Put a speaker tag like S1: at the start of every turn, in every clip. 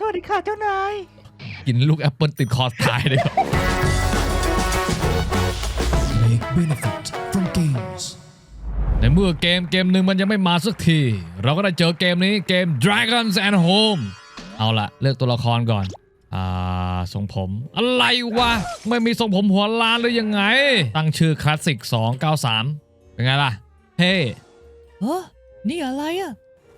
S1: วัสดีค่ะเจ้านาย
S2: กินลูกแอปเปิลติดคอตายเลยครับ
S3: Make benefit from games
S2: ในเมื่อเกมหนึ่งมันยังไม่มาสักที เราก็ได้เจอเกมนี้เกม Dragons and Home เอาล่ะเลือกตัวละครก่อนทรงผมอะไรวะไม่มีทรงผมหัวล้านหรือยังไงตั้งชื่อคลาสสิก293เป็นไงล่ะเฮ้
S1: นี่อะไรอะ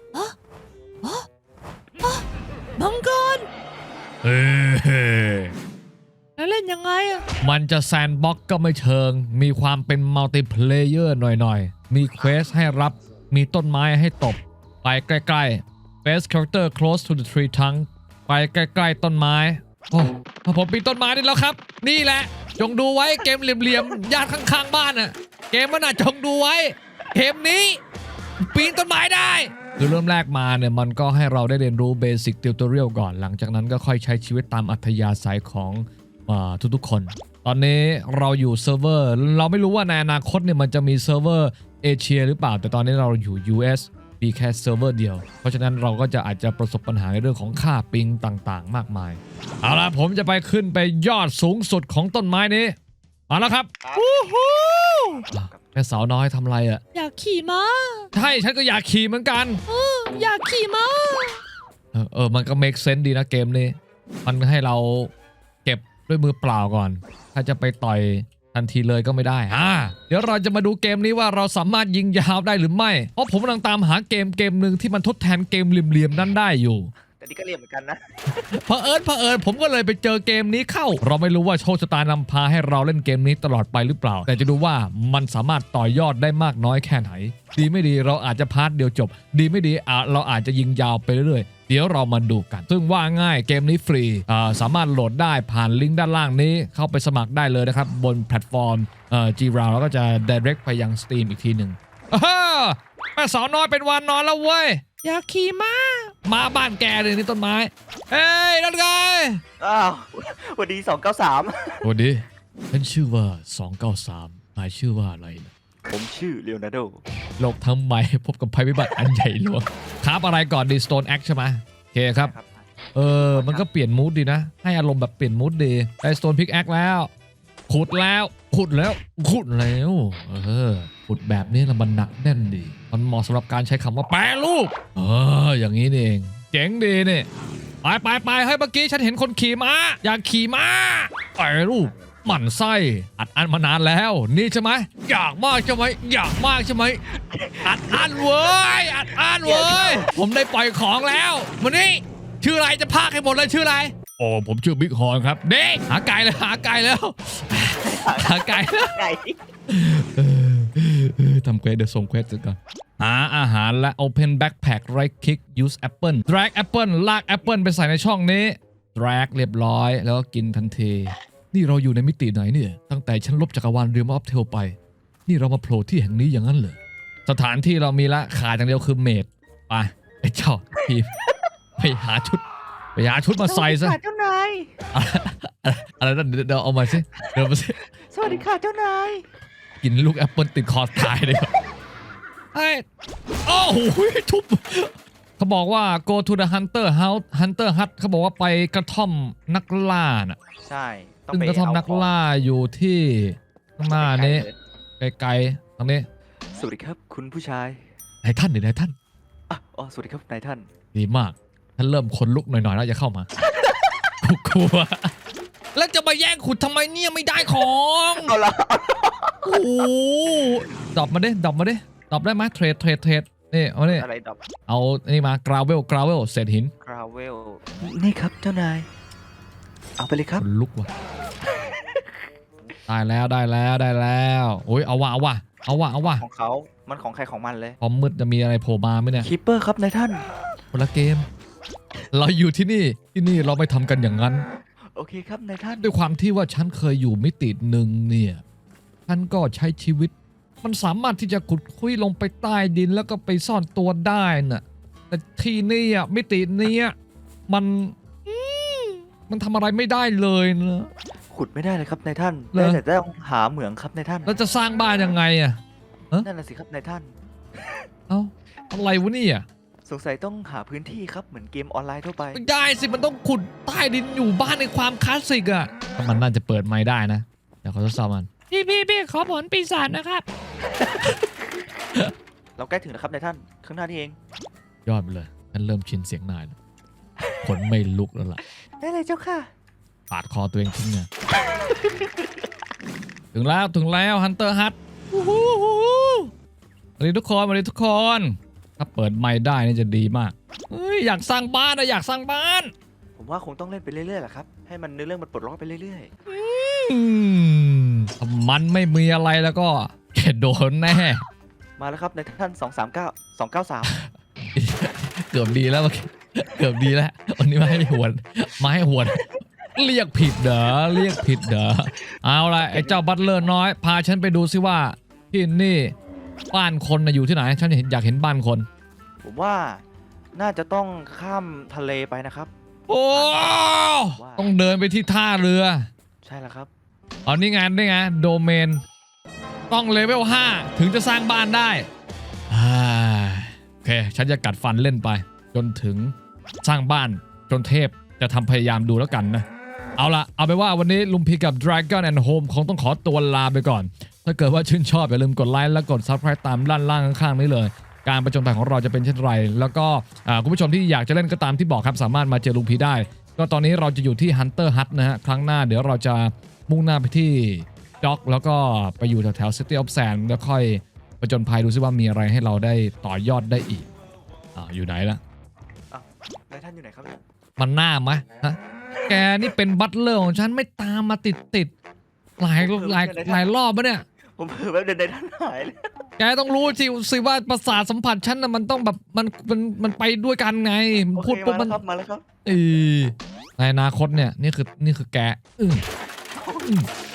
S1: มังกร
S2: เฮ้
S1: แล้วเล่นยังไงอะ
S2: มันจะแซนด์บ็อกก็ไม่เชิงมีความเป็นมัลติเพลเยอร์หน่อยมีเควสให้รับมีต้นไม้ให้ตบไปใกล้ๆ Best character close to the tree trunk ไปใกล้ๆต้นไม้โอ้ผมปีนต้นไม้ได้แล้วครับนี่แหละจงดูไว้เกมเหลี่ยมๆญาติข้างๆบ้านน่ะเกมมันน่ะจงดูไว้เกมนี้ปีนต้นไม้ได้คือเริ่มแรกมาเนี่ยมันก็ให้เราได้เรียนรู้เบสิกติวตอเรียลก่อนหลังจากนั้นก็ค่อยใช้ชีวิตตามอัธยาศัยของทุกๆคนตอนนี้เราอยู่เซิร์ฟเวอร์เราไม่รู้ว่าในอนาคตเนี่ยมันจะมีเซิร์ฟเวอร์เอเชียหรือเปล่าแต่ตอนนี้เราอยู่ US มีแค่เซิร์ฟเวอร์เดียวเพราะฉะนั้นเราก็จะอาจจะประสบปัญหาในเรื่องของค่าปิงต่างๆมากมายเอาล่ะผมจะไปขึ้นไปยอดสูงสุดของต้นไม้นี้มาแล้วครับวู้ฮู้แม่สาวน้อยทำอะไรอ่ะ
S1: อยากขี่ม้า
S2: ใช่ฉันก็อยากขี่เหมือนกัน
S1: อยากขี่ม้า
S2: มันก็ make sense ดีนะเกมนี้มันให้เราเก็บด้วยมือเปล่าก่อนถ้าจะไปต่อยทันทีเลยก็ไม่ได้เดี๋ยวเราจะมาดูเกมนี้ว่าเราสามารถยิงยาวได้หรือไม่เพราะผมกำลังตามหาเกมหนึ่งที่มันทดแทนเกมเหลี่ยมๆนั้นได้อยู่
S1: แต่นี่ก็เหลี่ยมเหมือนกันนะ
S2: เผอิญผมก็เลยไปเจอเกมนี้เข้าเราไม่รู้ว่าโชคชะตานำพาให้เราเล่นเกมนี้ตลอดไปหรือเปล่าแต่จะดูว่ามันสามารถต่อยอดได้มากน้อยแค่ไหนดีไม่ดีเราอาจจะพาร์ทเดียวจบดีไม่ดีเราอาจจะยิงยาวไปเรื่อยๆเดี๋ยวเรามาดูกันซึ่งว่าง่ายเกมนี้ฟรีสามารถโหลดได้ผ่านลิงก์ด้านล่างนี้เข้าไปสมัครได้เลยนะครับบนแพลตฟอร์มG-Round แล้วก็จะ direct ไปยัง Steam อีกทีหนึ่งแม่สาวน้อยเป็นวันนอนแล้วเว้ย
S1: อยากขี่ม้า
S2: บ้านแกเลยนี่ต้นไม้เฮ้ยนั่นไง
S1: สวัสดี293
S2: สวัสดีฉันชื่อว่า293นายชื่อว่าอะไรนะ
S1: ผมชื่อเลโอนาร์โด
S2: โลกทั้งใบพบกับภัยพิบัติอันใหญ่หลวงครับอะไรก่อนดี Stone Axe ใช่ไหมโอเคครับมันก็เปลี่ยนมูดดีนะให้อารมณ์แบบเปลี่ยนมูดดีได้ Stone Pickaxe แล้วขุดแล้วขุดแบบนี้แล้วมันหนักแน่นดีมันเหมาะสำหรับการใช้คำว่าแปรรูปอย่างนี้นี่เองเจ๋งดีนี่ไปให้เมื่อกี้ฉันเห็นคนขี่ม้าอยากขี่ม้าแปรรูปหมั่นไส้อัดอั้นมานานแล้วนี่ใช่ไหมอยากมากใช่ไหมอัดอั้นเว้ยผมได้ปล่อยของแล้ววันนี้ชื่ออะไรจะพากให้หมดเลยชื่ออะไรโอ้ผมชื่อบิ๊กฮอนครับเด็กหาไก่แล้วทำเควสเดี๋ยวส่งเควสก่อนหาอาหารและ Open Backpack Right Click Use Apple Drag Apple ลาก Apple ไปใส่ในช่องนี้ Drag เรียบร้อยแล้วก็กินทันทีนี่เราอยู่ในมิติไหนเนี่ยตั้งแต่ฉันลบจักรวาลเรียมออฟเทลไปนี่เรามาโผล่ที่แห่งนี้อย่างนั้นเหรอสถานที่เรามีละขาดอย่างเดียวคือเมดไปไอ้เจ้าทีมไปหาชุดมาใส่ซะ
S1: เจ้านาย
S2: อะไรนั่นเดี๋ยวเอามาสิ
S1: สวัสดีค่ะเจ้านาย
S2: กินลูกแอปเปิลติดคอตายเลยโอ้โหทุบเขาบอกว่า go to the hunter house hunter hut เขาบอกว่าไปกระท่อมนักล่าน่ะ
S1: ใช่
S2: ซึ่งกระท่อมนักล่าอยู่ที่ข้างหน้านี้ไกลๆตรงนี้
S1: สวัสดีครับคุณผู้ชาย
S2: นายท่าน
S1: สวัสดีครับนายท่าน
S2: ดีมากท่านเริ่มขนลุกหน่อยๆแล้วอย่าเข้ามากลัวแล้วจะมาแย่งขุดทำไมเนี่ยไม่ได้ของ
S1: เอาละ
S2: โอ้ดรอปมาดิดรอปได้ไหมเทรดนี่เอาเนี่ย
S1: อะไรดรอป
S2: เอานี่มากราวเวลเศษหิน
S1: กราวเวลนี่ครับเจ้านายเอาไปเลยครับ
S2: ลุกว่ะได้แล้วโอ้ยเอาว่ะ
S1: ของเขามันของใครของมันเลย
S2: พอมืดจะมีอะไรโผล่มาไหมเนี่ย
S1: คีปเปอร์ครับนายท่าน
S2: คนละเกมเราอยู่ที่นี่เราไม่ทำกันอย่างนั้น
S1: โอเคครับนายท่าน
S2: ด้วยความที่ว่าฉันเคยอยู่มิติหนึ่งเนี่ยฉันก็ใช้ชีวิตมันสามารถที่จะขุดคุยลงไปใต้ดินแล้วก็ไปซ่อนตัวได้น่ะแต่ที่นี่อ่ะมิตินี้มันทำอะไรไม่ได้เลยนะ
S1: ขุดไม่ได้เลยครับนายท่านได้แต่ต้องหาเหมืองครับนายท่าน
S2: แล้วจะสร้างบ้านยังไงอ่ะ
S1: นั่นน่ะสิครับนายท่าน
S2: อะไรวะเนี่ย
S1: สสงสัยต้องหาพื้นที่ครับเหมือนเกมออนไลน์ทั่วไป
S2: ไม่ได้สิมันต้องขุดใต้ดินอยู่บ้านในความคลาสสิกอะถ้ามันน่าจะเปิดไม้ได้นะเดี๋ยวขอทดสอบมันพี่ขอผลปีศาจนะครับ
S1: เราใกล้ถึงแล้วครับนายท่านข้างหน้านี่เอง
S2: ยอดไปเลยฉันเริ่มชินเสียงนายแล้วขนไม่ลุกแล้วล่ะ
S1: ได้เลยเจ้าค่ะ
S2: ปาดคอตัวเองทิ้งเนี่ยถึงแล้วฮันเตอร์ฮัทสวัสดีทุกคน ถ้าเปิดไมค์ได้นี่จะดีมากเฮ้ยอยากสร้างบ้านนะอยากสร้างบ้าน
S1: ผมว่าคงต้องเล่นไปเรื่อยๆแหละครับให้มันเนื้อเรื่องมันปลดล็อกไปเรื่อย
S2: ถ้ามันไม่มีอะไรแล้วก็แกโดนแน่
S1: ๆมาแล้วครับนายท่าน239 293
S2: เกือบดีแล้วเมื่อกี้เกือบดีแล้ววันนี้มาให้หวนเรียกผิดเด้อเอาละไอ้เจ้าบัตเลอร์น้อยพาฉันไปดูซิว่าที่นี่บ้านคนนะอยู่ที่ไหนฉันอยากเห็นบ้านคน
S1: ผมว่าน่าจะต้องข้ามทะเลไปนะครับ
S2: โอ้ต้องเดินไปที่ท่าเรือ
S1: ใช่แล้วครับ
S2: เอานี่ไงโดเมนต้องเลเวล5ถึงจะสร้างบ้านได้โอเคฉันจะกัดฟันเล่นไป จนถึงสร้างบ้านจนเทพจะทำพยายามดูแล้วกันนะเอาไปว่าวันนี้ลุงพีกับ Dragon and Home คงต้องขอตัวลาไปก่อน ถ้าเกิดว่าชื่นชอบอย่าลืมกดไลค์และกด Subscribe ตามด้านล่างข้างๆนี้เลย การประจนภัยของเราจะเป็นเช่นไรแล้วก็คุณผู้ชมที่อยากจะเล่นก็ตามที่บอกครับสามารถมาเจอลุงพีได้ ก็ตอนนี้เราจะอยู่ที่ Hunter Hut นะฮะครั้งหน้าเดี๋ยวเราจะมุ่งหน้าไปที่ด็อกแล้วก็ไปอยู่แถว City of Sand แล้วค่อยประจนภัยดูซิว่ามีอะไรให้เราได้ต่อยอดได้อีกอยู่ไหนล่ะ
S1: นายท่านอยู่ไหนครับเนี่ย
S2: มันหน้าไหมฮะแกนี่เป็นบัตเลอร์ของฉันไม่ตามมาติดหลายรอบปะเนี่ย
S1: ผมเผลอแบบเดินนายท่านหายเลย
S2: แกต้องรู้สิว่าประสาทสัมผัสฉันน่ะมันต้องแบบมันไปด้วยกันไง
S1: โอเค
S2: พูดปุ๊บ
S1: มา
S2: มัน
S1: แล้วครับมาแล้วครับ
S2: ในอนาคตเนี่ยนี่คือแก